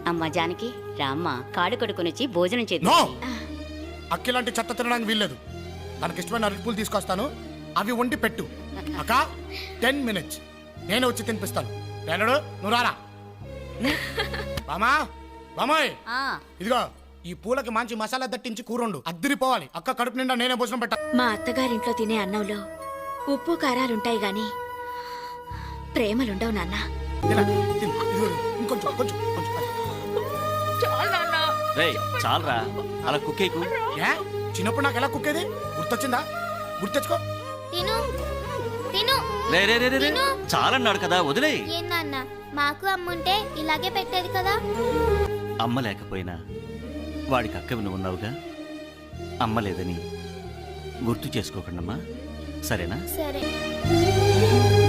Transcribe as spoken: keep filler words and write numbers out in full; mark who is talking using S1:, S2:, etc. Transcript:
S1: అమ్మ జానకి రామ్మ కాడు కొడుకునొచ్చి భోజనం
S2: నో
S1: చేద్దాం.
S2: అక్కిలాంటి చెత్త తినడానికి వీల్లేదు. తనకి ఇష్టమైన అరటిపూలు తీసుకొస్తాను, అవి వండి పెట్టు. అక్క టెన్ మినిట్స్ నేను వచ్చి తినిపిస్తాను. పేనడు నువ్వు రారా. బామా బామాయ్
S1: ఆ,
S2: ఇదిగో ఈ పూలకి మంచి మసాలా దట్టించి కూరండు, అద్దిరిపోవాలి. అక్క కడుపు నిండా నేనే భోజనం పెట్టా.
S3: మా అత్తగారింట్లో తినే అన్నంలో ఉప్పు కారాలుంటాయి గాని ప్రేమలుండవు నాన్న.
S2: తిన, తిను. ఇదిగో, ఇంకొంచెం కొంచెం కొంచెం
S4: రేయ్ చాలరా అలా కుక్కేకు.
S2: ఏ చిన్నప్పుడు నాకు ఎలా కుక్కేది గుర్తొచ్చిందా? గుర్తెచ్చుకో.
S5: తిను తిను
S4: రే రే రే రే రే. చాలన్నాడు కదా వదిలే.
S5: ఏం నాన్న మాకు అమ్ముంటే ఇలాగే పెట్టేది కదా.
S4: అమ్మ లేకపోయినా వాడికి అక్కవి నువ్వు ఉన్నావుగా. అమ్మ లేదని గుర్తు చేసుకోకండమ్మా, సరేనా?
S5: సరే